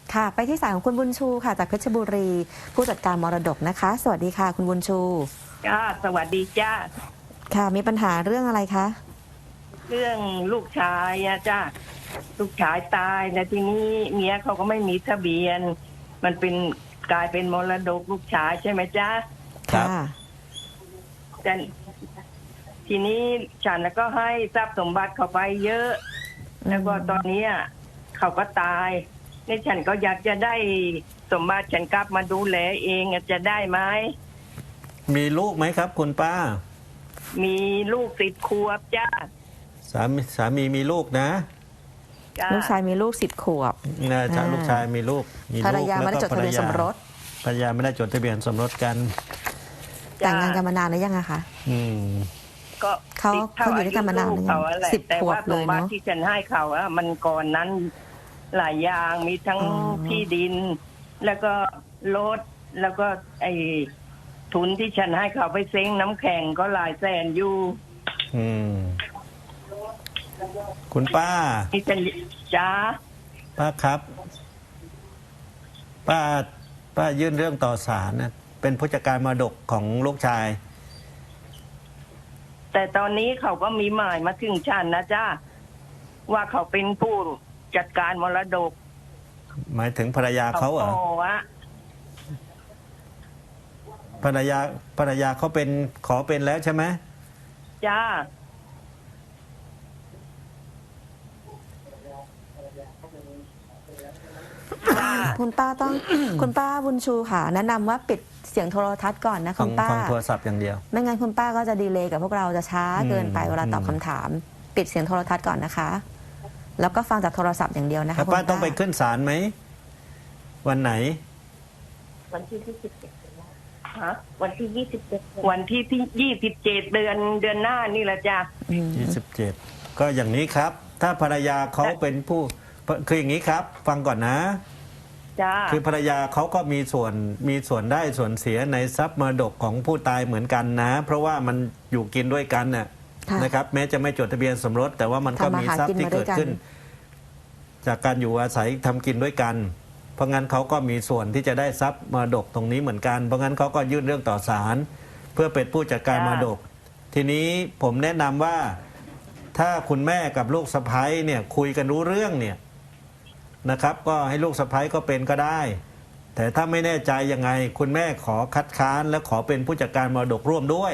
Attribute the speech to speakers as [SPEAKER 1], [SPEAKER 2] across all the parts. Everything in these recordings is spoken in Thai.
[SPEAKER 1] ค่ะไปที่สายของคุณบุญชูค่ะจากเพชรบุรีผู้จัดการมรดกนะคะสวัสดีค่ะคุณบุญชู
[SPEAKER 2] จ้าสวัสดีจ้า
[SPEAKER 1] ค่ะมีปัญหาเรื่องอะไรคะ
[SPEAKER 2] เรื่องลูกชายอะจ้าลูกชายตายแล้วทีนี้เมียเขาก็ไม่มีทะเบียนมันเป็นกลายเป็นมรดกลูกชายใช่ไหมจ้า
[SPEAKER 1] ค่ะ
[SPEAKER 2] แต่ทีนี้ฉันก็ให้ทรัพย์สมบัติเขาไปเยอะแล้วก็ตอนนี้เขาก็ตายนี่ฉันก็อยากจะได้สมบัติฉันกลับมาดูแลเองจะได้ไหม
[SPEAKER 3] มีลูกไหมครับคุณป้า
[SPEAKER 2] มีลูก10 ขวบจ้า
[SPEAKER 3] สามีมีลูกนะ
[SPEAKER 1] ลูกชายมีลูก10 ขวบ
[SPEAKER 3] นะลูกชายมีลูก
[SPEAKER 1] ภรรยาไม่ได้จดทะเบียนสมรส
[SPEAKER 3] ภรรยาไม่ได้จดทะเบียนสมรสกัน
[SPEAKER 1] แต่งงานกันมานานหรือยังอะคะ
[SPEAKER 2] ก็
[SPEAKER 1] เขาอยู่ด้วยกันมานานหรือยัง10 ขวบเลยเนาะ
[SPEAKER 2] ที่ฉันให้เขามันก่อนนั้นหลายอย่างมีทั้งที่ดินแล้วก็รถแล้วก็ไอ้ทุนที่ฉันให้เขาไปเซ้งน้ำแข็งก็หลายแสนอยู่
[SPEAKER 3] คุณป้า
[SPEAKER 2] ที่ฉันจ้า
[SPEAKER 3] ป้าครับป้ายื่นเรื่องต่อศาลนะเป็นผู้จัดการมรดกของลูกชาย
[SPEAKER 2] แต่ตอนนี้เขาก็มีหมายมาถึงฉันนะจ้าว่าเขาเป็นผู้จัดการมรดก
[SPEAKER 3] หมายถึงภรรยาเขาเหรอภรรยาเขาเป็นขอเป็นแล้วใช่ไหม
[SPEAKER 2] จ้า
[SPEAKER 1] คุณป้าต้อง คุณป้าบุญชูค่ะแนะนำว่าปิดเสียงโทรทัศน์ก่อนนะคุณป้า
[SPEAKER 3] ฟังโทรศัพท์อย่างเดียว
[SPEAKER 1] ไม่งั้นคุณป้าก็จะดีเลย์กับพวกเราจะช้าเกินไปเวลาตอบคำถามปิดเสียงโทรทัศน์ก่อนนะคะแล้วก็ฟังจากโทรศัพท์อย่างเดียวนะคะ
[SPEAKER 3] ป้าต้องไปขึ้นศาลไหมวันไหน
[SPEAKER 2] วันที่27วันที่27วันที่27เดือนหน้านี่แหละจ้ะ
[SPEAKER 3] 27ก็อย่างนี้ครับถ้าภรรยาเขาเป็นผู้คืออย่างนี้ครับฟังก่อนนะคือภรรยาเขาก็มีส่วนได้ส่วนเสียในทรัพย์มรดกของผู้ตายเหมือนกันนะเพราะว่ามันอยู่กินด้วยกันนะครับแม้จะไม่จดทะเบียนสมรสแต่ว่ามันก็มีทรัพย์ที่เกิดขึ้นจากการอยู่อาศัยทำกินด้วยกันเพราะงั้นเขาก็มีส่วนที่จะได้ทรัพย์มรดกตรงนี้เหมือนกันเพราะงั้นเขาก็ยื่นเรื่องต่อศาลเพื่อเป็นผู้จัดการมรดกทีนี้ผมแนะนำว่าถ้าคุณแม่กับลูกสะใภ้เนี่ยคุยกันรู้เรื่องเนี่ยนะครับก็ให้ลูกสะใภ้ก็เป็นก็ได้แต่ถ้าไม่แน่ใจยังไงคุณแม่ขอคัดค้านและขอเป็นผู้จัดการมรดกร่วมด้วย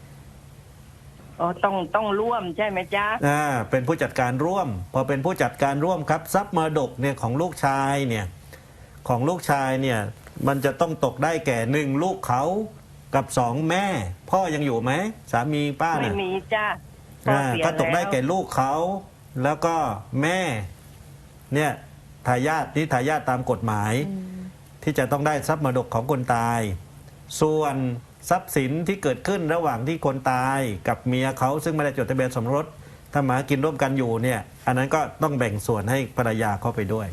[SPEAKER 2] ต้องร่วมใช่ไหมจ๊ะ
[SPEAKER 3] เป็นผู้จัดการร่วมพอเป็นผู้จัดการร่วมครับทรัพย์มรดกเนี่ยของลูกชายเนี่ยมันจะต้องตกได้แก่1ลูกเขากับ2แม่พ่อยังอยู่ไหมสามีป้า
[SPEAKER 2] ไม่มีจ้ะ
[SPEAKER 3] ก็ตกได้แก่ลูกเขาแล้วก็แม่เนี่ยทายาทตามกฎหมายที่จะต้องได้ทรัพย์มรดกของคนตายส่วนทรัพย์สินที่เกิดขึ้นระหว่างที่คนตายกับเมียเขาซึ่งไม่ได้จดทะเบียนสมรสถ้ามากินร่วมกันอยู่เนี่ยอันนั้นก็ต้องแบ่งส่วนให้ภรรยาเข้าไปด้วย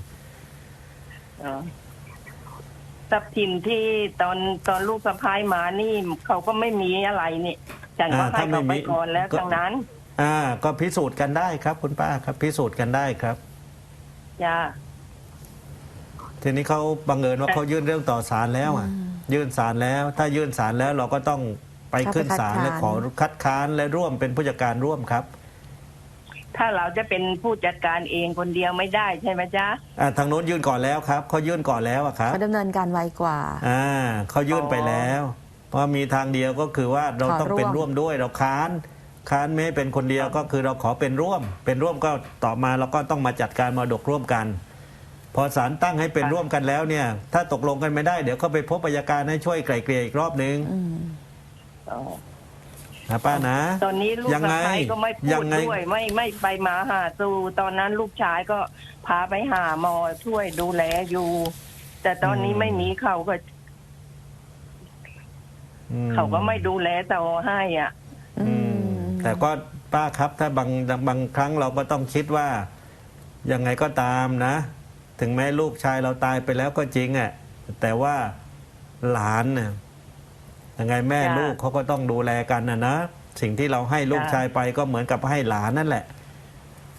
[SPEAKER 2] ทรัพย์สินที่ตอนลูกสะพ้ายมานี่เขาก็ไม่มีอะไรนี่ฉันก็ให้เขาไปก่อนแล้วทั้งนั้น
[SPEAKER 3] ก็พิสูจน์กันได้ครับคุณป้าครับพิสูจน์กันได้ครับ
[SPEAKER 2] จ้า
[SPEAKER 3] ทีนี้เขาบังเอิญว่าเขายื่นเรื่องต่อศาลแล้วยื่นศาลแล้วถ้ายื่นศาลแล้วเราก็ต้องไปขึ้นศาลและขอคัดค้านและร่วมเป็นผู้จัดการร่วมครับ
[SPEAKER 2] ถ้าเราจะเป็นผู้จัดการเองคนเดียวไม่ได้ใช่ไหมจ๊ะ
[SPEAKER 3] ทางโน้นยื่นก่อนแล้วครับเขายื่นก่อนแล้วครับ
[SPEAKER 1] เขาดำเนินการไวกว่า
[SPEAKER 3] เขายื่นไปแล้วเพราะมีทางเดียวก็คือว่าเราต้องเป็นร่วมด้วยเราค้านไม่เป็นคนเดียวก็คือเราขอเป็นร่วมก็ต่อมาเราก็ต้องมาจัดการมรดกร่วมกันพอศาลตั้งให้เป็นร่วมกันแล้วเนี่ยถ้าตกลงกันไม่ได้เดี๋ยวก็ไปพบอัยการให้ช่วยไกล่เกลี่ยอีกรอบนึงนะป้านะ
[SPEAKER 2] ตอนนี้ลูกสะใภ้ก็ไม่พูดด้วยไม่ไปมาหาสู่ตอนนั้นลูกชายก็พาไปหาหมอช่วยดูแลอยู่แต่ตอนนี้ไม่มีเขาก็ไม่ดูแลต่อให้
[SPEAKER 3] แต่ก็ป้าครับถ้าบางครั้งเราก็ต้องคิดว่ายังไงก็ตามนะถึงแม้ลูกชายเราตายไปแล้วก็จริงแต่ว่าหลานเนี่ยยังไงแม่ลูกเขาก็ต้องดูแลกันนะสิ่งที่เราให้ลูกชายไปก็เหมือนกับให้หลานนั่นแหละ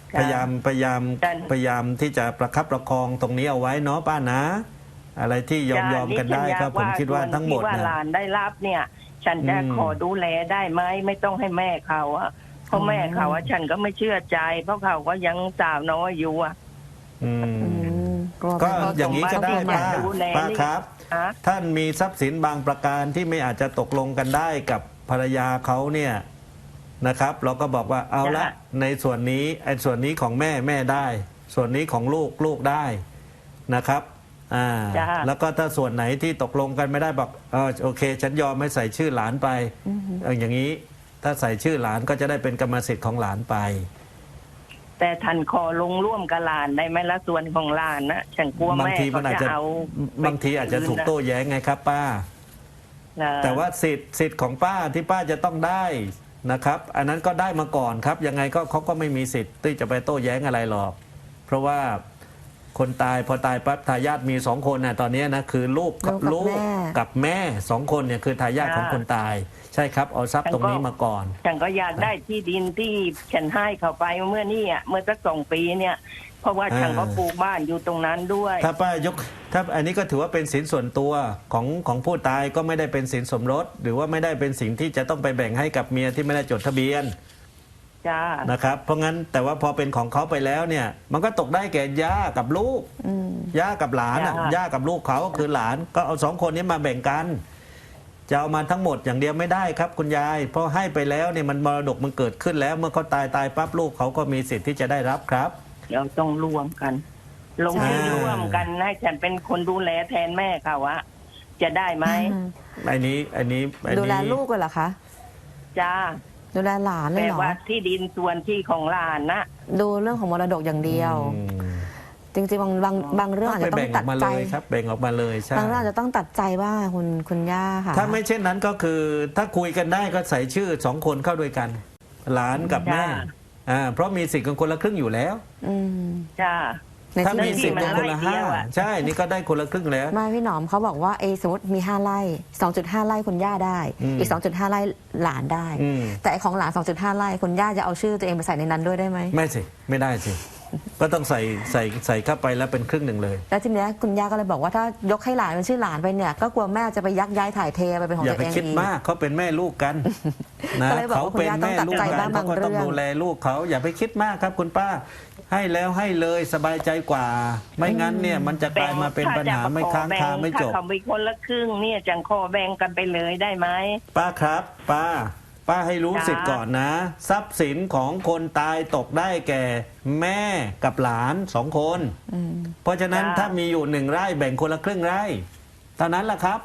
[SPEAKER 2] ค่ะ
[SPEAKER 3] พยายามที่จะประคับประคองตรงนี้เอาไว้เนาะป้านะ อะไรที่ยอมกันได้ครับผมคิดว่าทั้งหมด
[SPEAKER 2] ส่วนที่ว่า
[SPEAKER 3] นะ
[SPEAKER 2] หลานได้รับเนี่ย ฉันจะ
[SPEAKER 3] อืม
[SPEAKER 2] ขอดูแลได้ไหมไม่ต้องให้แม่เขาอะเพราะแม่เขาอะฉันก็ไม่เชื่อใจ เพราะเขาก็ยังสาวน้อยอยู่อะ
[SPEAKER 3] อื
[SPEAKER 1] อื
[SPEAKER 3] ม
[SPEAKER 1] มกลัว
[SPEAKER 3] ก็
[SPEAKER 1] ไป
[SPEAKER 3] อย่างนี้ก็ได้
[SPEAKER 2] ต้อง
[SPEAKER 3] ป้า
[SPEAKER 2] ดูแล
[SPEAKER 3] ป้าครับ
[SPEAKER 2] ฮะ
[SPEAKER 3] ท่านมีทรัพย์สินบางประการที่ไม่อาจจะตกลงกันได้กับภรรยาเขาเนี่ยนะครับ เราก็บอกว่าเอาละ
[SPEAKER 2] จ้ะ
[SPEAKER 3] ในส่วนนี้ไอ้ส่วนนี้ของแม่ได้ ส่วนนี้ของลูกได้นะครับแล้วก็ถ้าส่วนไหนที่ตกลงกันไม่ได้บอกโอเค ฉันยอมให้ใส่ชื่อหลานไปอย่างนี้ถ้าใส่ชื่อหลานก็จะได้เป็นกรรมสิทธิ์ของหลานไป
[SPEAKER 2] แต่ท่านขอลงร่วมกับหลานได้ไหมละส่วนของหลานนะฉันกลัว
[SPEAKER 3] บาง
[SPEAKER 2] แม่
[SPEAKER 3] ทีมั
[SPEAKER 2] เขา
[SPEAKER 3] นอาจ
[SPEAKER 2] จะ
[SPEAKER 3] จะ
[SPEAKER 2] เอา
[SPEAKER 3] บางทีอาจจะถูกโต้แย้งไงครับป้า แต่ว่าสิทธิ์ของป้าที่ป้าจะต้องได้นะครับ อันนั้นก็ได้มาก่อนครับ ยังไงก็เขาก็ไม่มีสิทธิ์ที่จะไปโต้แย้งอะไรหรอก เพราะว่าคนตายพอตายปั๊บทายาทมี2 คนนะตอนนี้นะคือลูกกับแม่2 คนเนี่ยคือทายาทของคนตาย ใช่ครับเอาทรัพย์ตรงนี้มาก่อน
[SPEAKER 2] ฉันก็อยากได้ที่ดินที่ฉันให้เขาไปเมื่อนี่อ่ะเมื่อสัก2 ปีเนี่ย เพราะว่าฉันก็ปลูกบ้านอยู่ตรงนั้นด้วย
[SPEAKER 3] ถ้าป้ายกถ้าอันนี้ก็ถือว่าเป็นสินส่วนตัวของผู้ตายก็ไม่ได้เป็นสินสมรส หรือว่าไม่ได้เป็นสิ่งที่จะต้องไปแบ่งให้กับเมียที่ไม่ได้จดทะเบียน
[SPEAKER 2] จ้า
[SPEAKER 3] นะครับเพราะงั้นแต่ว่าพอเป็นของเขาไปแล้วเนี่ยมันก็ตกได้แก่ย่ากับลูกย่ากับหลานย่ากับลูกเขาคือหลานก็เอา2 คนนี้มาแบ่งกันจะเอามาทั้งหมดอย่างเดียวไม่ได้ครับคุณยายเพราะให้ไปแล้วเนี่ยมันมรดกมันเกิดขึ้นแล้วเมื่อเขาตายปั๊บลูกเขาก็มีสิทธิ์ที่จะได้รับครับ
[SPEAKER 2] เราต้องรวมกัน ลงชื่อ
[SPEAKER 3] ใช่
[SPEAKER 2] ร่วมกันให้ฉันเป็นคนดูแลแทนแม่เขาอะจะได้ไหม
[SPEAKER 3] อันนี้
[SPEAKER 1] ดูแลลูกเลยเหรอคะ
[SPEAKER 2] จ้า
[SPEAKER 1] ดูแลหลานเลย
[SPEAKER 2] แต่
[SPEAKER 1] เหรอ
[SPEAKER 2] ว่าที่ดินส่วนที่ของหลานนะ
[SPEAKER 1] ดูเรื่องของมรดกอย่างเดียว จริงๆบางเรื่องอาจ
[SPEAKER 3] ไป
[SPEAKER 1] จะต้อ
[SPEAKER 3] แบ่
[SPEAKER 1] ง
[SPEAKER 3] งอ
[SPEAKER 1] ตั
[SPEAKER 3] อ
[SPEAKER 1] ด
[SPEAKER 3] กมา
[SPEAKER 1] ใจ
[SPEAKER 3] เลยครับแบ่งออกมาเลยใช่
[SPEAKER 1] บางเรื่องอาจจะต้องตัดใจบ้างคุณย่าค่ะ
[SPEAKER 3] ถ้าไม่เช่นนั้นก็คือถ้าคุยกันได้ก็ใส่ชื่อ2 คนเข้าด้วยกัน หลานกับแม่เพราะมีสิทธิ์กันคนละครึ่งอยู่แล้ว
[SPEAKER 1] อืม
[SPEAKER 2] จ้า
[SPEAKER 1] ใน
[SPEAKER 3] ถ้า
[SPEAKER 1] ที่
[SPEAKER 3] มีสิทธิ์กันคนละ
[SPEAKER 2] เดียวอะ
[SPEAKER 3] 5ใช่นี่ก็ได้คนละครึ่งแล้ว
[SPEAKER 1] ไม่พี่หนอมเขาบอกว่าสมมติมี5 ไร่ 2.5 ไร่คุณย่าได้ อีก 2.5 ไร่หลานได้ แต่ไอ้ของหลาน 2.5 ไร่คุณย่าจะเอาชื่อตัวเองไปใส่ในนั้นด้วยได้ไหม
[SPEAKER 3] ไม่สิไม่ได้สิก็ต้องใส่เข้าไปแล้วเป็นครึ่งหนึ่งเลย
[SPEAKER 1] แล้วทีเนี้ยคุณย่าก็เลยบอกว่าถ้ายกให้หลานเป็นชื่อหลานไปเนี่ยก็กลัวแม่จะไปยักย้ายถ่ายเทไปเป็นของ
[SPEAKER 3] อย่า
[SPEAKER 1] ตัว
[SPEAKER 3] ไป
[SPEAKER 1] เอง
[SPEAKER 3] คิด
[SPEAKER 1] อีก
[SPEAKER 3] มากเขาเป็นแม่ลูกกันนะ
[SPEAKER 1] ก็เลยบอก
[SPEAKER 3] เขา
[SPEAKER 1] ว่าคุณ
[SPEAKER 3] เป็น
[SPEAKER 1] ย่าต้อง
[SPEAKER 3] แม่
[SPEAKER 1] ตัด
[SPEAKER 3] ลูก
[SPEAKER 1] ใจ
[SPEAKER 3] กั
[SPEAKER 1] บ้าง
[SPEAKER 3] นเขาก็ต้อง
[SPEAKER 1] บางเรื่อง
[SPEAKER 3] ดูแลลูกเขาอย่าไปคิดมากครับคุณป้า ให้แล้วให้เลยสบายใจกว่า ไม่งั้นเนี่ยมันจะกลายมาเป็นปัญหาไม่ค้างคาไม่จบ
[SPEAKER 2] ถ้าเขาไปคนละครึ่งเนี่ยจังขอแบ่งกันไปเลยได้ไหม
[SPEAKER 3] ป้าครับป้าให้รู้
[SPEAKER 2] จ้า
[SPEAKER 3] สิทธิ์ก่อนนะ ทรัพย์สินของคนตายตกได้แก่แม่กับหลาน2 คน เพราะฉะนั้นถ้ามีอยู่1 ไร่แบ่งคนละครึ่งไร่เท่านั้นแหละครับ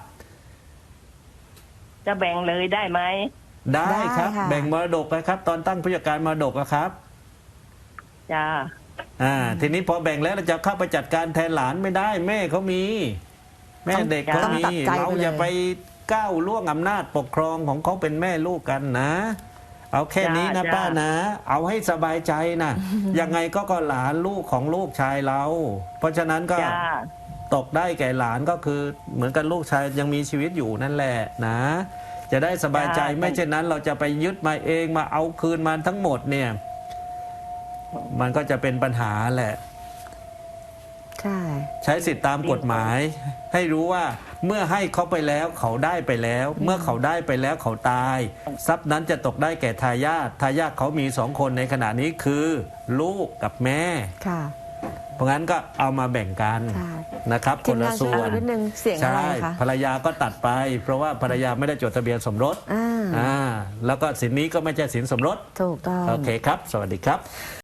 [SPEAKER 2] จะแบ่งเลยได้ไหม
[SPEAKER 3] ได้ครับ
[SPEAKER 1] ค่ะ
[SPEAKER 3] แบ่งมรดกนะครับ ตอนตั้งผู้จัดการมรดกอะครับ
[SPEAKER 2] จ้า
[SPEAKER 3] ทีนี้พอแบ่งแล้วเราจะเข้าไปจัดการแทนหลานไม่ได้ แม่เขามี แม่เด็กเขามี
[SPEAKER 1] ต้องตัดใจไปเลย
[SPEAKER 3] เราอย่าไปก้าวล่วงอำนาจปกครองของเขาเป็นแม่ลูกกันนะ เอาแค่นี้นะป้านะ เอาให้สบายใจนะยังไงก็หลานลูกของลูกชายเรา เพราะฉะนั้นก็
[SPEAKER 2] จ้า
[SPEAKER 3] ตกได้แก่หลานก็คือเหมือนกันลูกชายยังมีชีวิตอยู่นั่นแหละนะ จะได้สบายใจ
[SPEAKER 2] จ้า
[SPEAKER 3] ไม่เช่นนั้น เราจะไปยึดมาเองมาเอาคืนมาทั้งหมดเนี่ย มันก็จะเป็นปัญหาแหละ
[SPEAKER 1] ใช่
[SPEAKER 3] ใช้สิทธิตามกฎหมาย ให้รู้ว่าเมื่อให้เขาไปแล้วเขาได้ไปแล้ว เมื่อเขาได้ไปแล้วเขาตาย ทรัพย์นั้นจะตกได้แก่ทายาททายาทเขามี2 คนในขณะนี้คือลูกกับแม่
[SPEAKER 1] ค่ะ
[SPEAKER 3] เพราะงั้นก็เอามาแบ่งกัน
[SPEAKER 1] ใช่
[SPEAKER 3] นะครับ
[SPEAKER 1] ที
[SPEAKER 3] ค
[SPEAKER 1] ม
[SPEAKER 3] นละ
[SPEAKER 1] งาน
[SPEAKER 3] ส่
[SPEAKER 1] ช่
[SPEAKER 3] ว
[SPEAKER 1] วย
[SPEAKER 3] น
[SPEAKER 1] นิดนึงเสียงอะไร
[SPEAKER 3] ใช่
[SPEAKER 1] คะ
[SPEAKER 3] ภรรยาก็ตัดไป เพราะว่าภรรยาไม่ได้จดทะเบียนสมรส
[SPEAKER 1] อ่า
[SPEAKER 3] แล้วก็สินนี้ก็ไม่ใช่สินสมรส
[SPEAKER 1] ถูกต้อง
[SPEAKER 3] โอเคครับ สวัสดีครับ